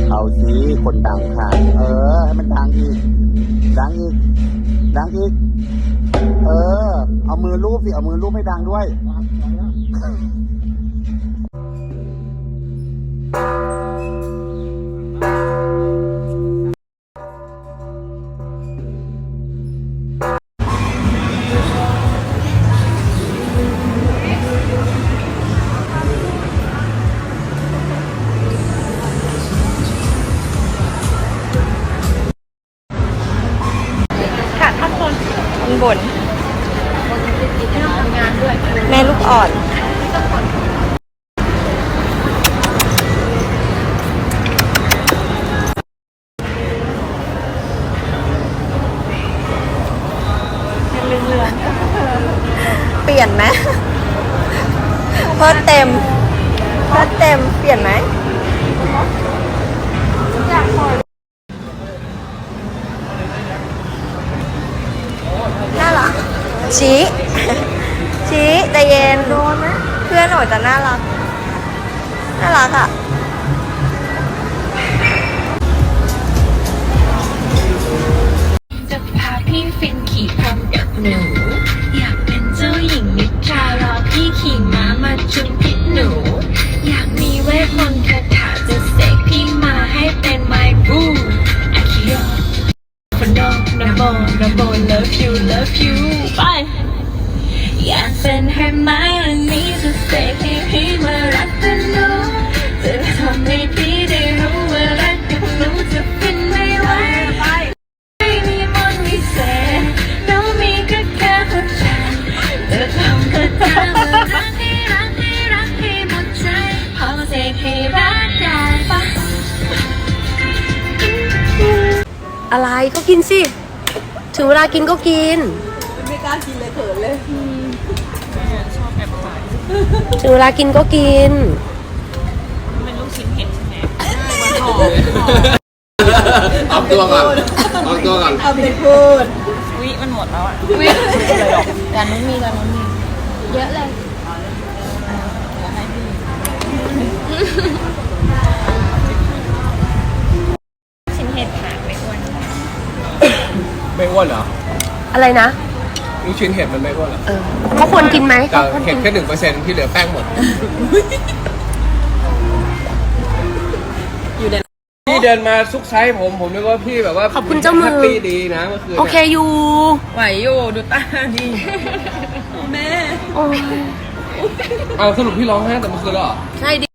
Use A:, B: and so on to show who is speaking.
A: เอาสิคนดังค่ะให้มันดังอีกดังอีกดังอีกเอามือลูบสิเอามือลูบให้ดังด้วย
B: บนแม่ลูกอ่อนเปลี่ยนไหมเพิ่มเต็มเปลี่ยนไหมน่ารักชี้ใจเย็นโดนนะเพื่อนหนูจะน่ารักอ่ะ
C: จะพาพี่ฟินขี่พรมกับหนูอยากเป็นเจ้าหญิงนิทรารอพี่ขี่ม้ามาจุนพิษหนูอยากมีเวทมนต์คาถาจะเสกพี่มาให้เป็น my boo อาคิโยคนดองนะโบ love you ไปอยากเป็นให้ไม้วันนี้จะเสกให้พี่มารักกันหนูจะทำให้พี่ได้รู้ว่ารักกับหนูจะฟินไม่ไหวไม่มีมนต์วิเศษน้องมีก็แค่หัวใจจะทำก็ตามว่ารักให้หมดใจพอเสกให้รักได้ปะ
B: อะไรก็กินสิถึงเวลากินก็กินไม่กล้ากินเลยเขินเลยชอบแอบถ่ายถึงเวลากินก็กินเป็นลูกชิ้นเห็ดใช่ไหม
A: เอาตัวก่อน
B: เอาไปพูด
D: วิมันหมดแล้วอ่ะ
B: ร้านนู้นมีเยอะเลย
D: ชิ้นเห็ดหางไม่อ้วน
E: ไม่อ้วนเหรอ
B: อะไรนะ
E: ลูกชิ้นเห็ดมันไม่อ้วนเหรอ
B: เขาควรกินไหม
E: แต่เห็ดแค่ 1% ที่เหลือแป้งหมดพี่เดินมาซุกไซส์ผมนึกว่าพี่แบบว่า
B: ขอบคุณเจ้ามือ
E: แฮปปี้ดีนะเมื่อคืน
B: โอเคอยู่
D: ไหวอยู่ดูตาดิแม่
B: โอ้ย
E: เอาสรุปพี่ร้องไห้แต่เมื่อคืนแล้วเหรอ
B: ใช่ดิ